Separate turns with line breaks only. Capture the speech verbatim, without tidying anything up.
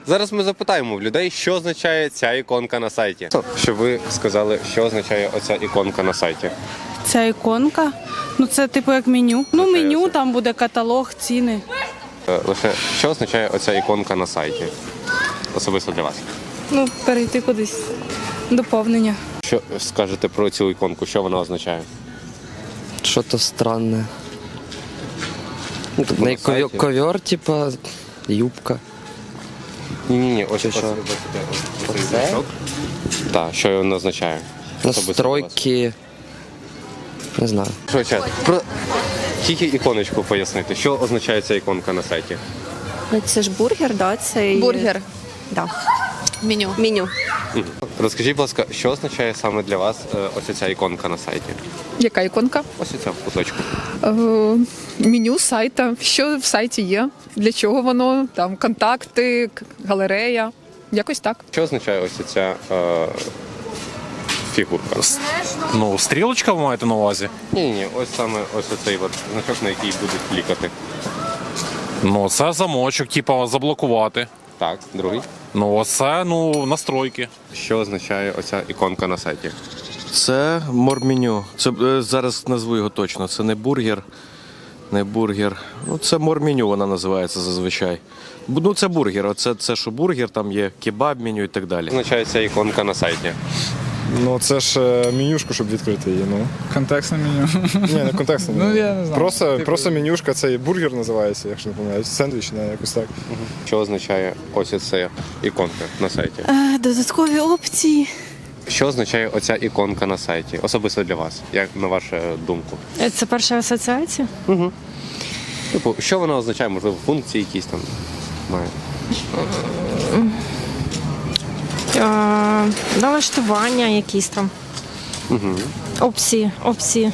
Зараз ми запитаємо в людей, що означає ця іконка на сайті. Щоб ви сказали, що означає оця іконка на сайті.
Ця іконка, ну це типу як меню. Ну
Означає
меню,
це.
там буде каталог, ціни.
Е, Лише що означає оця іконка на сайті? Особисто для вас.
Ну, перейти кудись. Доповнення.
Що скажете про цю іконку? Що вона означає?
Что-то странное.
Ну, типу,
На
на
ковер,
сайті.
ковер, типа, юбка.
Ні-ні-ні, ось
Чи
ось-
що?
ось- ось- ось цей
Оце?
значок. Так, що він означає? Особисто для вас.
Настройки. Не знаю.
Що, чат, про тільки іконочку пояснити. Що означає ця іконка на сайті?
Ну, це ж бургер, да? Це і-
Бургер.
Да.
Меню.
Меню.
Мгм. Розкажіть, будь ласка, що означає саме для вас е, ось ця іконка на сайті?
Яка іконка?
Ось ця в куточку.
Е, меню сайта. Що в сайті є? Для чого воно? Там контакти, к- галерея. Якось так.
Що означає ось ця е, фігурка?
Ну, стрілочка ви маєте на увазі?
Ні-ні, ось саме ось цей от значок, на який будуть клікати.
Ну, це замочок, типу, заблокувати.
Так, другий.
Ну, оце, ну, настройки.
Що означає оця іконка на сайті?
Це морменю. Це е, зараз назву його точно. Це не бургер, не бургер. Ну це морменю вона називається зазвичай. Бу- Ну це бургер. Оце це що бургер, там є кебаб меню і так далі.
Що означає ця іконка на сайті?
Ну, це ж е, менюшку, щоб відкрити її. Ну.
Контекстне меню.
Ні, не контекстно.
Ну, я не знаю.
Просто,
Типу-
просто менюшка, це і бургер називається, якщо не помиляюсь. Сендвіч, не, якось так.
Що означає ось ця іконка на сайті?
Е, додаткові опції.
Що означає оця іконка на сайті? Особисто для вас, як на вашу думку?
Це перша асоціація?
Типу, що вона означає? Можливо, функції якісь там має.
Е, налаштування якісь там. Опції, опції.